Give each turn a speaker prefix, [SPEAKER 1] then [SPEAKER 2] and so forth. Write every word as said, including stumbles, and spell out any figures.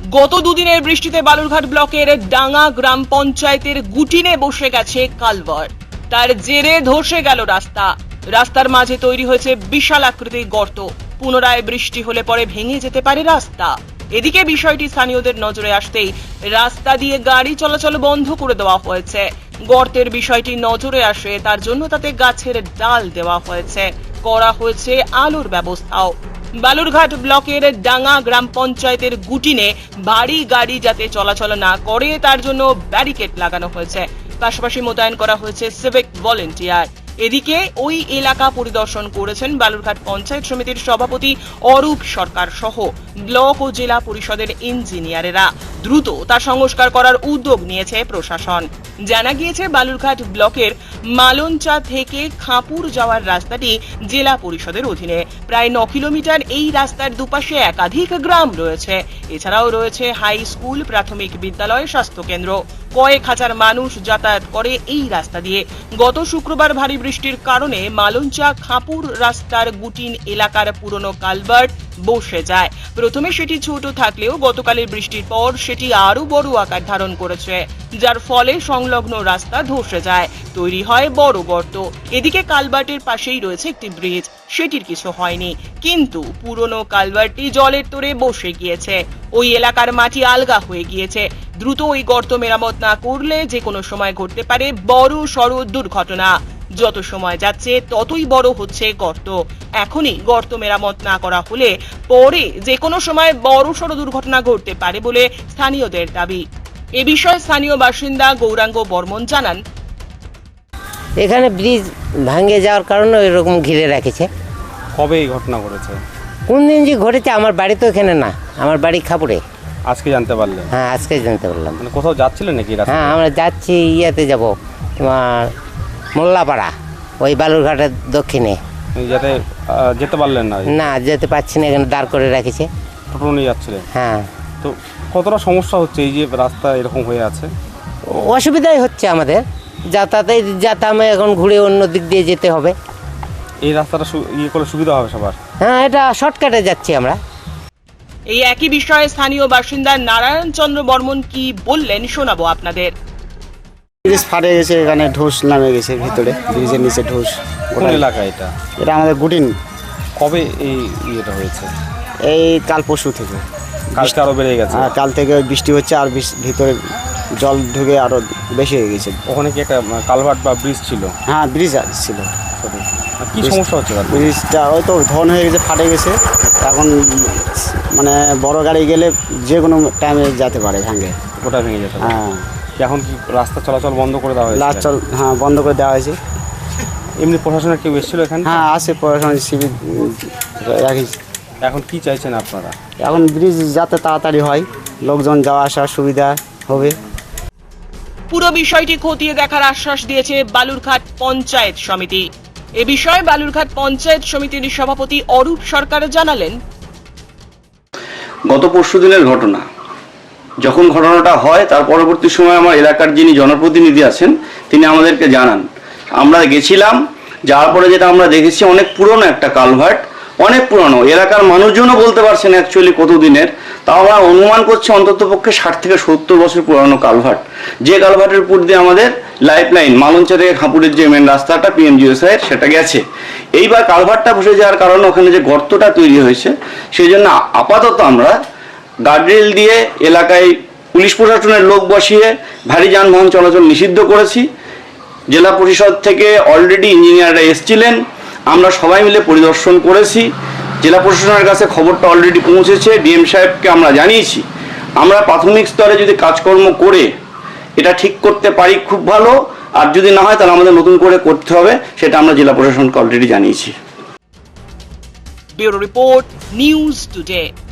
[SPEAKER 1] গত দুদিনের বৃষ্টিতে বালুরঘাট ব্লকের ডাঙ্গা গ্রাম পঞ্চায়েতের গুটিনে বসে গেছে কালভার্ট। তার জেরে ধসে গেল রাস্তা। রাস্তার মাঝে তৈরি হয়েছে বিশাল আকৃতির গর্ত। পুনরায় বৃষ্টি হলে পরে ভেঙে যেতে পারে রাস্তা। এদিকে বিষয়টি স্থানীয়দের নজরে আসতেই রাস্তা দিয়ে গাড়ি চলাচল বন্ধ করে দেওয়া হয়েছে। গর্তের বিষয়টি নজরে আসে, তার জন্য তাতে গাছের ডাল দেওয়া হয়েছে, করা হয়েছে আলোর ব্যবস্থাও। বালুরঘাট ব্লকের ডাঙ্গা গ্রাম পঞ্চায়েতের গুটিনে ভারী গাড়ি যাতে চলাচল না করে তার জন্য ব্যারিকেড লাগানো হয়েছে। পাশাপাশি মোতায়েন করা হয়েছে সিভিক ভলেন্টিয়ার। এদিকে ওই এলাকা পরিদর্শন করেছেন বালুরঘাট পঞ্চায়েত সমিতির সভাপতি অরূপ সরকার সহ ব্লক ও জেলা পরিষদের ইঞ্জিনিয়ারেরা। দ্রুত তা সংস্কার করার উদ্যোগ নিয়েছে প্রশাসন। জানা গিয়েছে বালুরঘাট ব্লকের মালঞ্চা থেকে খাঁপুর যাওয়ার রাস্তাটি জেলা পরিষদের অধীনে। প্রায় ন কিলোমিটার এই রাস্তার দুপাশে একাধিক গ্রাম রয়েছে। এছাড়াও রয়েছে হাই স্কুল, প্রাথমিক বিদ্যালয়, স্বাস্থ্য কেন্দ্র। কয়েক হাজার মানুষ যাতায়াত করে এই রাস্তা দিয়ে। গত শুক্রবার ভারী বৃষ্টির কারণে মালঞ্চা খাঁপুর রাস্তার গুটিন এলাকার পুরনো কালভার্ট বসে যায়। প্রথমে সেটি ছোট থাকলেও গতকালের বৃষ্টির পর সেটি আরো বড় আকার ধারণ করেছে, যার ফলে সংলগ্ন রাস্তা ধসে যায়, তৈরি হয় বড় গর্ত। এদিকে কালভার্টের পাশেই রয়েছে একটি ব্রিজ, সেটির কিছু হয়নি, কিন্তু পুরনো কালভার্টটি জলের তোড়ে বসে গিয়েছে। ওই এলাকার মাটি আলগা হয়ে গিয়েছে। দ্রুত ওই গর্ত মেরামত না করলে যে কোনো সময় ঘটতে পারে বড় সড় দুর্ঘটনা। যত সময় যাচ্ছে ততই বড় হচ্ছে গর্ত। এখনই গর্ত মেরামত না করা হলে পরে যে কোনো সময় বড় সড় দুর্ঘটনা ঘটতে পারে বলে স্থানীয়দের দাবি। এ বিষয়ে স্থানীয় বাসিন্দা গৌরাঙ্গ বর্মন জানান,
[SPEAKER 2] এখানে ব্রিজ ভাঙে যাওয়ার কারণে এরকম ঘিরে রেখেছে।
[SPEAKER 3] কবে এই ঘটনা ঘটেছে?
[SPEAKER 2] কোন দিন যে ঘটেছে, আমার বাড়ি তো এখানে না, আমার বাড়ি খাপুরে।
[SPEAKER 3] আজকে জানতে পারলেন?
[SPEAKER 2] হ্যাঁ, আজকে জানতে পারলাম।
[SPEAKER 3] মানে কোথাও যাচ্ছিলেন নাকি রাস্তায়?
[SPEAKER 2] হ্যাঁ, আমরা যাচ্ছি ইয়েতে যাব, তোমার মোল্লাপাড়া, ওই বালুরঘাটের দক্ষিণে।
[SPEAKER 3] যাতে আহ, যেতে পারলেন না?
[SPEAKER 2] না, যেতে পারছি না, এখানে দাঁড় করে রেখেছে।
[SPEAKER 3] টোটো নিয়ে যাচ্ছিলেন?
[SPEAKER 2] হ্যাঁ।
[SPEAKER 3] তো কতটা সমস্যা হচ্ছে এই যে রাস্তা এরকম হয়ে আছে?
[SPEAKER 2] অসুবিধাই হচ্ছে আমাদের যাতায়াতে, যাতায়াতে এখন ঘুরে অন্য দিক দিয়ে যেতে হবে।
[SPEAKER 3] এই রাস্তাটা ইয়ে করলে সুবিধা হবে সবার?
[SPEAKER 2] হ্যাঁ, এটা শর্টকাটে যাচ্ছি আমরা।
[SPEAKER 1] এই একই বিষয়ে স্থানীয় বাসিন্দা নারায়ণ চন্দ্র বর্মন কি বললেন শোনাবো আপনাদের।
[SPEAKER 4] ব্রিজ ফাটে গেছে, এখানে ঢোস নামে গেছে ভিতরে, ব্রিজের নিচে ঢোস।
[SPEAKER 3] কোন এলাকা এটা?
[SPEAKER 4] এটা আমাদের গুটিন।
[SPEAKER 3] কবে এই ইয়েটা হয়েছে?
[SPEAKER 4] এই কাল পরশু থেকে।
[SPEAKER 3] কালকে আরো বেড়ে গেছে?
[SPEAKER 4] হ্যাঁ, কাল থেকে বৃষ্টি হচ্ছে আর ভিতরে জল ঢুকে আরো বেশি হয়ে গেছে।
[SPEAKER 3] ওখানে কি একটা কালভার্ট বা ব্রিজ ছিল?
[SPEAKER 4] হ্যাঁ, ব্রিজ ছিল।
[SPEAKER 3] কি সমস্যা হচ্ছে?
[SPEAKER 4] ব্রিজটা ওই তো ধন হয়ে গেছে, ফাটে গেছে। এখন মানে বড় গাড়ি গেলে যে কোনো টাইমে যেতে পারে, ভাঙে,
[SPEAKER 3] ওটা ভেঙে যেতে পারে।
[SPEAKER 4] হ্যাঁ।
[SPEAKER 3] এখন কি রাস্তা চলাচল বন্ধ করে দেওয়া হয়েছে?
[SPEAKER 4] লাস্ট চল হ্যাঁ, বন্ধ করে দেওয়া হয়েছে।
[SPEAKER 3] এমনি প্রশাসনের কেউ এসেছিল এখানে?
[SPEAKER 4] হ্যাঁ, আসে প্রশাসন, শিবির রাখিস।
[SPEAKER 3] এখন কি চাইছেন আপনারা?
[SPEAKER 4] এখন ব্রিজ যাতে তাড়াতাড়ি হয়, লোকজন যাওয়া আসার সুবিধা হবে।
[SPEAKER 1] পুরো বিষয়টি খতিয়ে দেখার আশ্বাস দিয়েছে বালুরঘাট পঞ্চায়েত সমিতি। এ বিষয়ে বালুরঘাট পঞ্চায়েত সমিতির সভাপতি অরূপ সরকার জানালেন,
[SPEAKER 5] গত পরশু দিনের ঘটনা, যখন ঘটনাটা হয় তার পরবর্তী সময় আমার এলাকার যিনি জনপ্রতিনিধি আছেন তিনি আমাদেরকে জানান। আমরা গেছিলাম, যাওয়ার পরে যেটা আমরা দেখেছি, অনেক পুরনো একটা কালভার্ট, অনেক পুরনো, এলাকার মানুষজনও বলতে পারছেন অ্যাকচুয়ালি কত দিনের, তাও আমরা অনুমান করছি অন্তত পক্ষে ষাট থেকে সত্তর বছর পুরনো কালভার্ট। যে কালভার্টের উপর দিয়ে আমাদের লাইফ লাইন মালঞ্চা থেকে খাঁপুরের যে মেন রাস্তাটা পিএমজিএসআইয়ের সেটা গেছে। এইবার কালভার্টটা বসে যাওয়ার কারণে ওখানে যে গর্তটা তৈরি হয়েছে, সেই জন্য আপাতত আমরা গার্ডরেল দিয়ে এলাকায় পুলিশ প্রশাসনের লোক বসিয়ে ভারী যানবাহন চলাচল নিষিদ্ধ করেছি। জেলা পরিষদ থেকে অলরেডি ইঞ্জিনিয়াররা এসেছিলেন, আমরা সবাই মিলে পরিদর্শন করেছি। জেলা প্রশাসনের কাছে খবরটা অলরেডি পৌঁছেছে, ডিএম সাহেবকে আমরা জানিয়েছি। আমরা প্রাথমিক স্তরে যদি কাজকর্ম করে এটা ঠিক করতে পারি খুব ভালো, আর যদি না হয় তাহলে আমাদের নতুন করে করতে হবে, সেটা আমরা জেলা প্রশাসনকে অলরেডি জানিয়েছি।
[SPEAKER 1] Bureau report, news today.